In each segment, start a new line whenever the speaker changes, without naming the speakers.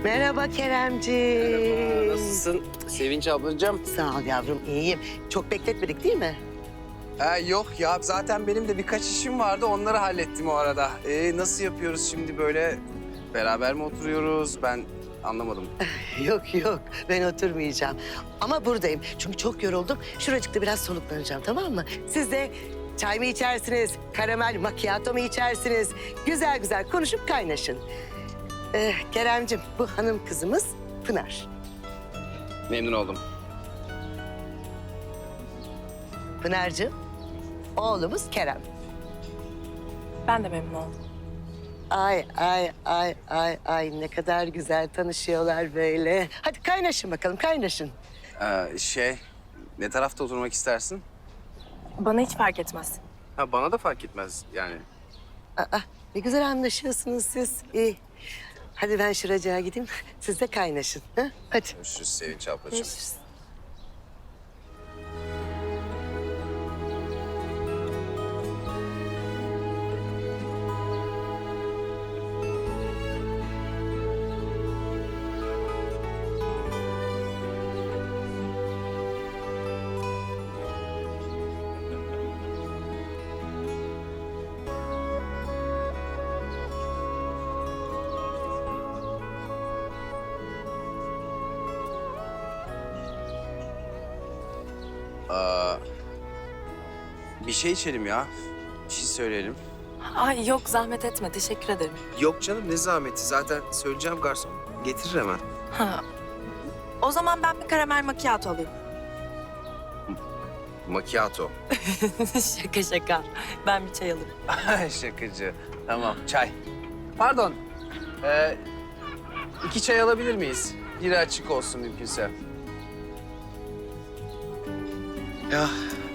Merhaba Keremciğim.
Nasılsın Sevinç ablacığım?
Sağ ol yavrum, iyiyim. Çok bekletmedik değil mi?
Yok ya, zaten benim de birkaç işim vardı. Onları hallettim o arada. Nasıl yapıyoruz şimdi böyle? Beraber mi oturuyoruz? Ben anlamadım.
Yok yok, ben oturmayacağım. Ama buradayım çünkü çok yoruldum. Şuracıkta biraz soluklanacağım, tamam mı? Siz de çay mı içersiniz, karamel macchiato mu içersiniz? Güzel güzel konuşup kaynaşın. Keremciğim, bu hanım kızımız Pınar.
Memnun oldum.
Pınar'cığım, oğlumuz Kerem.
Ben de memnun oldum.
Ay ay ay ay ay ne kadar güzel tanışıyorlar böyle. Hadi kaynaşın bakalım, kaynaşın.
Ne tarafta oturmak istersin?
Bana hiç fark etmez.
Ha, bana da fark etmez yani.
Aa, ne güzel anlaşıyorsunuz siz. İyi. Hadi ben şuracığa gideyim, siz de kaynaşın. Ha? Hadi.
Görüşürüz Sevinç ablacığım.
Görüşürüz.
Bir şey içelim ya. Bir şey söyleyelim.
Ay yok zahmet etme teşekkür ederim.
Yok canım, ne zahmeti. Zaten söyleyeceğim, garson getirir hemen.
Ha. O zaman ben bir karamel macchiato alayım.
Macchiato.
Şaka şaka. Ben bir çay alayım.
Şakacı. Tamam, çay. Pardon. 2 çay alabilir miyiz? Biri açık olsun mümkünse. Ya.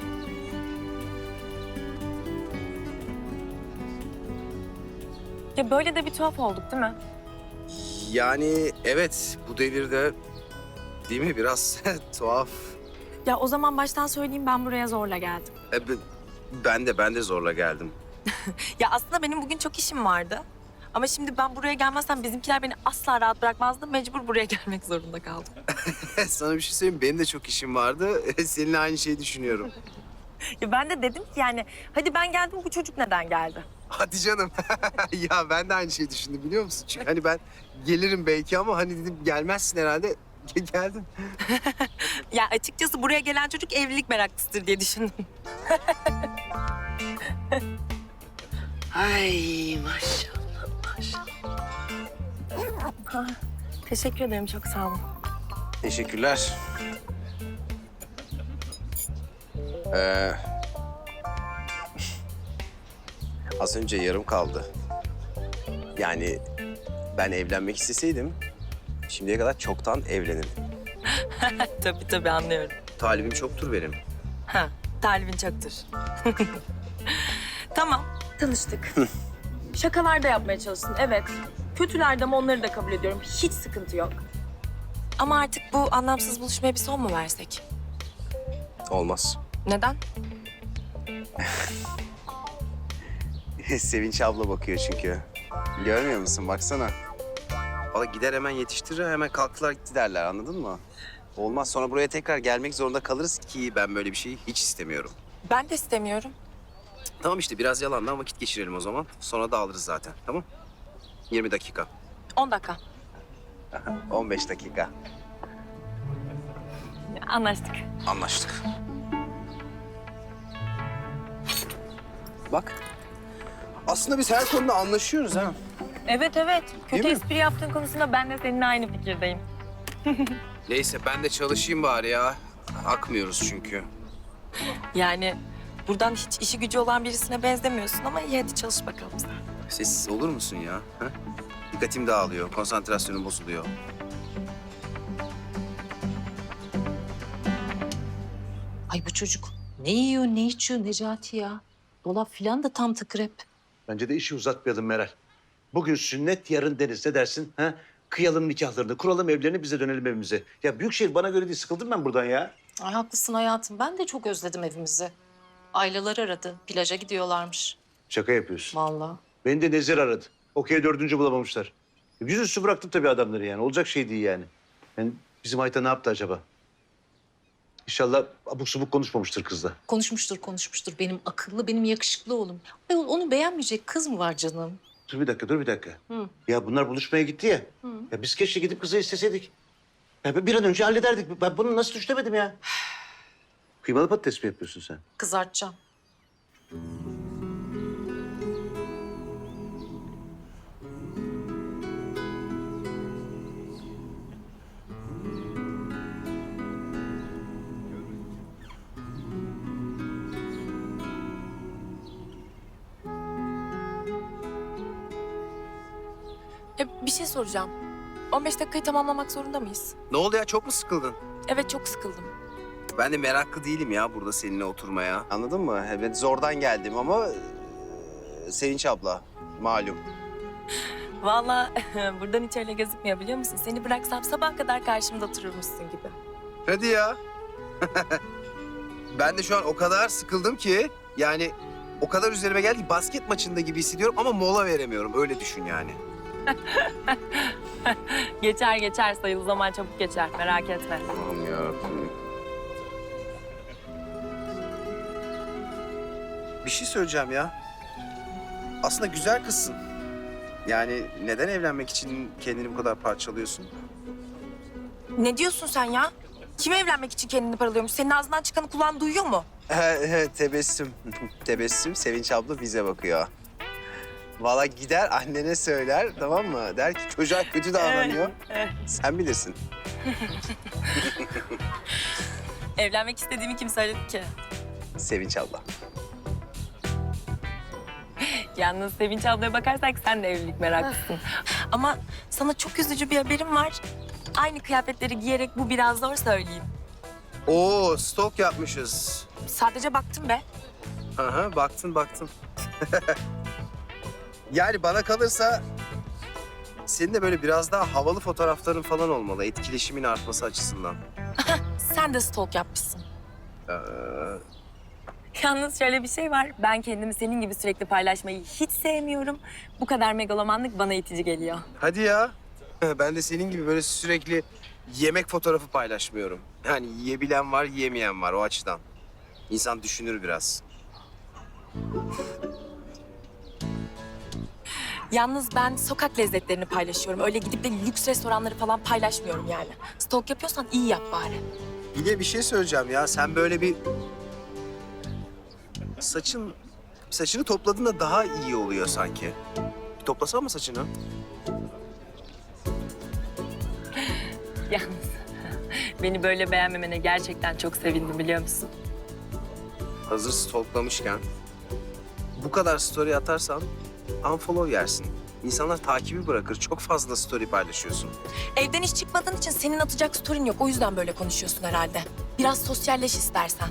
Ya böyle de bir tuhaf olduk değil mi?
Yani evet, bu devirde değil mi biraz tuhaf.
Ya o zaman baştan söyleyeyim ben buraya zorla geldim.
Ben de zorla geldim.
Ya aslında benim bugün çok işim vardı. Ama şimdi ben buraya gelmezsem bizimkiler beni asla rahat bırakmazdı. Mecbur buraya gelmek zorunda kaldım.
Sana bir şey söyleyeyim, benim de çok işim vardı. Seninle aynı şeyi düşünüyorum.
Ya ben de dedim ki yani hadi ben geldim bu çocuk neden geldi?
Hadi canım. Ya ben de aynı şeyi düşündüm, biliyor musun? Çünkü hani ben gelirim belki ama hani dedim gelmezsin herhalde. Geldin.
Ya açıkçası buraya gelen çocuk evlilik meraklısıdır diye düşündüm.
Ay maşallah maşallah.
Teşekkür ederim çok sağ olun.
Teşekkürler. Az önce yarım kaldı. Yani ben evlenmek isteseydim şimdiye kadar çoktan evlenirdim.
Tabii anlıyorum.
Talibim çoktur benim.
Ha, talibin çoktur. Tamam, tanıştık. Şakalar da yapmaya çalıştın, evet. Kötüler de ama onları da kabul ediyorum. Hiç sıkıntı yok. Ama artık bu anlamsız buluşmaya bir son mu versek?
Olmaz.
Neden?
Sevinç abla bakıyor çünkü. Görmüyor musun? Baksana. Valla gider hemen yetiştirir, hemen kalktılar gitti derler, anladın mı? Olmaz, sonra buraya tekrar gelmek zorunda kalırız ki ben böyle bir şeyi hiç istemiyorum.
Ben de istemiyorum.
Tamam işte, biraz yalandan vakit geçirelim o zaman. Sonra dağılırız zaten, tamam? 20 dakika.
10 dakika.
15 dakika.
Anlaştık.
Anlaştık. Bak. Aslında biz her konuda anlaşıyoruz ha.
Evet. Kötü
Değil mi?
espri yaptığın konusunda ben de seninle aynı fikirdeyim.
Neyse ben de çalışayım bari ya. Akmıyoruz çünkü.
Yani buradan hiç işi gücü olan birisine benzemiyorsun ama iyi hadi çalış bakalım sen.
Sessiz olur musun ya? Ha? Dikkatim dağılıyor, konsantrasyonum bozuluyor.
Ay bu çocuk ne yiyor, ne içiyor Necati ya? Dolap falan da tam tıkır hep.
Bence de işi uzatmayalım Meral. Bugün sünnet, yarın deniz. Ne dersin? Ha? Kıyalım nikahlarını, kuralım evlerini, bize dönelim evimize. Ya Büyükşehir bana göre değil, sıkıldım ben buradan ya.
Ay haklısın hayatım. Ben de çok özledim evimizi. Aileler aradı. Plaja gidiyorlarmış.
Şaka yapıyorsun.
Vallahi.
Beni de Nezir aradı. Okey 4. bulamamışlar. Yüzüstü bıraktım tabii adamları yani. Olacak şey değil yani. Yani bizim Ayta ne yaptı acaba? İnşallah abuk subuk konuşmamıştır kızla.
Konuşmuştur. Benim akıllı, benim yakışıklı oğlum. Ayol onu beğenmeyecek kız mı var canım?
Dur bir dakika.
Hı.
Ya bunlar buluşmaya gitti ya. Ya biz keşke gidip kızı isteseydik. Ya bir an önce hallederdik. Ben bunu nasıl düşünemedim ya? Kıymalı patates mi yapıyorsun sen?
Kızartacağım.
Bir şey soracağım. 15 dakikayı tamamlamak zorunda mıyız?
Ne oldu ya, çok mu sıkıldın?
Evet, çok sıkıldım.
Ben de meraklı değilim ya burada seninle oturmaya. Anladın mı? Evet, zordan geldim ama Sevinç abla malum.
Vallahi buradan hiç öyle gözükmüyor biliyor musun? Seni bıraksam sabah kadar karşımda otururmuşsun gibi.
Hadi ya. Ben de şu an o kadar sıkıldım ki yani o kadar üzerime geldi ki basket maçında gibi hissediyorum ama mola veremiyorum. Öyle düşün yani.
Geçer sayılı zaman çabuk geçer, merak etme.
Aman yarabbim. Bir şey söyleyeceğim ya. Aslında güzel kızsın. Yani neden evlenmek için kendini bu kadar parçalıyorsun?
Ne diyorsun sen ya? Kim evlenmek için kendini paralıyormuş? Senin ağzından çıkanı kulağın duyuyor mu?
Tebessüm. Tebessüm. Sevinç abla bize bakıyor. Vallahi gider annene söyler, tamam mı? Der ki çocuğa kötü davranıyor. Sen bilirsin.
Evlenmek istediğimi kim söyledi ki?
Sevinç abla.
Yalnız Sevinç ablaya bakarsak sen de evlilik meraklısın. Ama sana çok üzücü bir haberim var. Aynı kıyafetleri giyerek bu biraz zor söyleyeyim.
Oo, stok yapmışız.
Sadece baktım be.
Aha, baktın. Yani bana kalırsa senin de böyle biraz daha havalı fotoğrafların falan olmalı. Etkileşimin artması açısından.
Sen de stalk yapmışsın.
Ee,
Yalnız şöyle bir şey var. Ben kendimi senin gibi sürekli paylaşmayı hiç sevmiyorum. Bu kadar megalomanlık bana itici geliyor.
hadi ya. Ben de senin gibi böyle sürekli yemek fotoğrafı paylaşmıyorum. Yani yiyebilen var, yiyemeyen var o açıdan. İnsan düşünür biraz.
Yalnız ben sokak lezzetlerini paylaşıyorum. Öyle gidip de lüks restoranları falan paylaşmıyorum yani. Stalk yapıyorsan iyi yap bari.
Bir de bir şey söyleyeceğim ya. Sen böyle bir saçını topladığında daha iyi oluyor sanki. Bir toplasana mı saçını?
Yalnız beni böyle beğenmemene gerçekten çok sevindim biliyor musun?
Hazır stalklamışken bu kadar story atarsan unfollow yersin. İnsanlar takibi bırakır. Çok fazla story paylaşıyorsun.
Evden hiç çıkmadığın için senin atacak story'n yok. O yüzden böyle konuşuyorsun herhalde. Biraz sosyalleş istersen.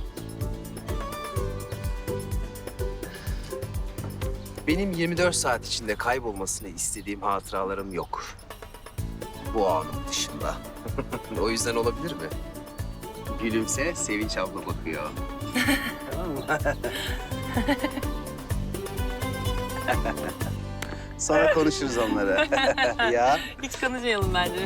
Benim 24 saat içinde kaybolmasını istediğim hatıralarım yok. Bu anın dışında. O yüzden olabilir mi? Gülümse, Sevinç abla bakıyor. Tamam mı? Sonra konuşuruz onları. Ya.
Hiç konuşmayalım bence.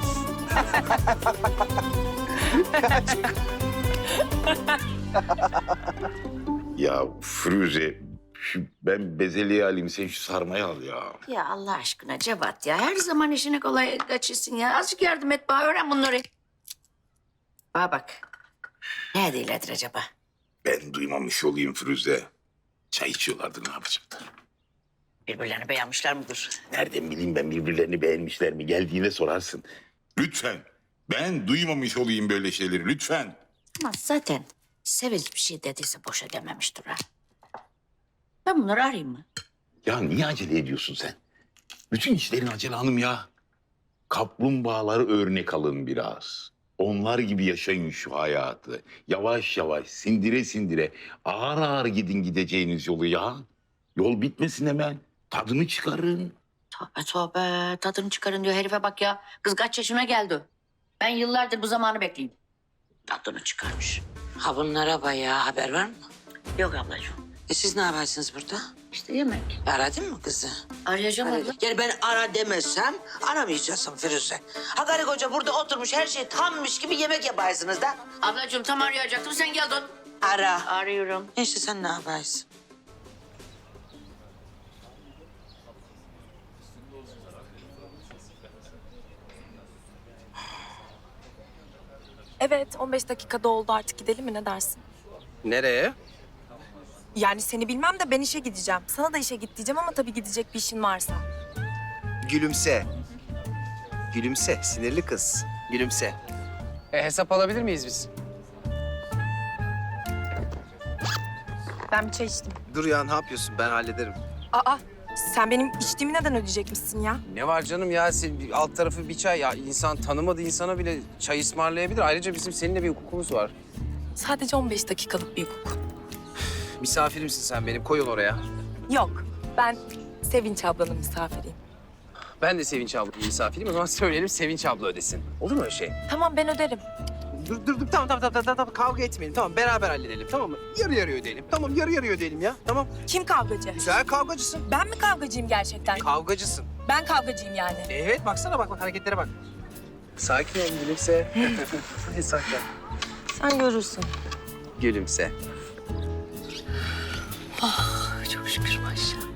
Ya Firuze, ben bezelye alayım, sen şu sarmayı al ya.
Ya Allah aşkına Cevat ya. Her zaman işini kolay kaçırsın ya. Azıcık yardım et bana. Öğren bunları. Bana bak. Ne değildir acaba?
Ben duymamış olayım Firuze. Çay içiyorlardı, ne yapacaklar?
Birbirlerini beğenmişler midir?
Nereden bileyim ben birbirlerini beğenmişler mi? Geldiğinde sorarsın. Lütfen. Ben duymamış olayım böyle şeyleri, lütfen.
Ama zaten Sevinç bir şey dediyse boşa dememiştir ha. Ben bunları arayayım mı?
Ya niye acele ediyorsun sen? Bütün işlerin acele hanım ya. Kaplumbağaları örnek alın biraz. Onlar gibi yaşayın şu hayatı. Yavaş yavaş, sindire sindire, ağır ağır gidin gideceğiniz yolu ya. Yol bitmesin hemen. Tadını çıkarın.
Tövbe tadını çıkarın diyor herife bak ya. Kız kaç yaşına geldi? Ben yıllardır bu zamanı bekleyeyim. Tadını çıkarmış.
Ha bunlara bayağı haber var mı?
Yok ablacığım.
Siz ne yaparsınız burada?
İşte yemek.
Aradın mı kızı?
Arayacağım abla.
Yani ben ara demezsem aramayacaksın Firuze. Ha karı koca burada oturmuş her şey tammış gibi yemek yaparsınız da.
Ablacığım tam arayacaktım sen geldin.
Ara.
Arıyorum.
İşte sen ne yaparsın?
Evet, 15 dakikada oldu, artık gidelim mi, ne dersin?
Nereye?
Yani seni bilmem de ben işe gideceğim. Sana da işe git diyeceğim ama tabii gidecek bir işin varsa.
Gülümse. Gülümse, sinirli kız. Gülümse. Hesap alabilir miyiz biz?
Ben bir çay içtim.
Dur ya, ne yapıyorsun? Ben hallederim.
Aa, sen benim içtiğimi neden ödeyecekmişsin ya?
Ne var canım ya? Alt tarafı bir çay. Ya insan tanımadığı insana bile çay ısmarlayabilir. Ayrıca bizim seninle bir hukukumuz var.
Sadece 15 dakikalık bir hukuk.
Misafirimsin sen benim. Koy onu oraya.
Yok, ben Sevinç ablanın misafiriyim.
Ben de Sevinç ablanın misafiriyim. O zaman söyleyelim Sevinç abla ödesin. Olur mu öyle şey?
Tamam, ben öderim.
Dur. Tamam. Kavga etmeyelim. Tamam, beraber halledelim. Tamam mı? Yarı yarıya ödeyelim. Tamam, yarı yarıya ödeyelim ya. Tamam.
Kim kavgacı?
Güzel kavgacısın.
Ben mi kavgacıyım gerçekten?
Kavgacısın.
Ben kavgacıyım yani.
Evet, baksana bak hareketlere bak. Sakin ol gülümse. Hadi sakin.
Sen görürsün.
Gülümse.
Çok şükür maşallah.